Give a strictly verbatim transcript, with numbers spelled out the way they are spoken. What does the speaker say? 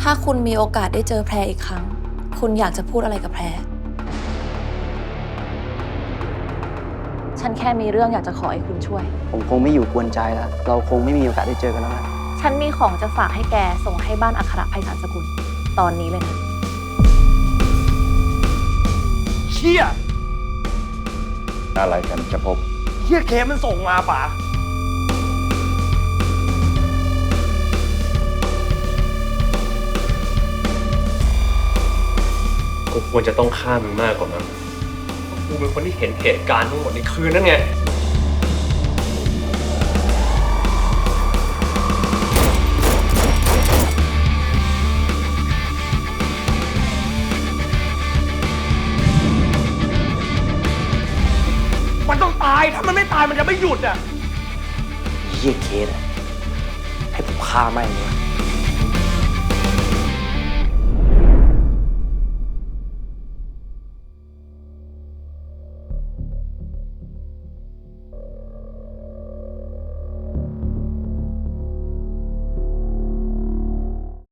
ถ้าคุณมีโอกาสได้เจอแพรอีกครั้งคุณอยากจะพูดอะไรกับแพรฉันแค่มีเรื่องอยากจะขอให้คุณช่วยผมคงไม่อยู่กวนใจแล้วเราคงไม่มีโอกาสได้เจอกันแล้วนะฉันมีของจะฝากให้แกส่งให้บ้านอัครไพศาลสกุลตอนนี้เลยนะเชี่ยอะไรกันจะพบเชี่ยเคมันส่งมาป่ะกูควรจะต้องฆ่ามึงมากกว่ามั้งกูเป็นคนที่เห็นเหตุการณ์ทั้งหมดในคืนนั่นไงมันต้องตายถ้ามันไม่ตายมันจะไม่หยุดอ่ะเยี่ยเคสอะให้ผมฆ่าไม่งเลย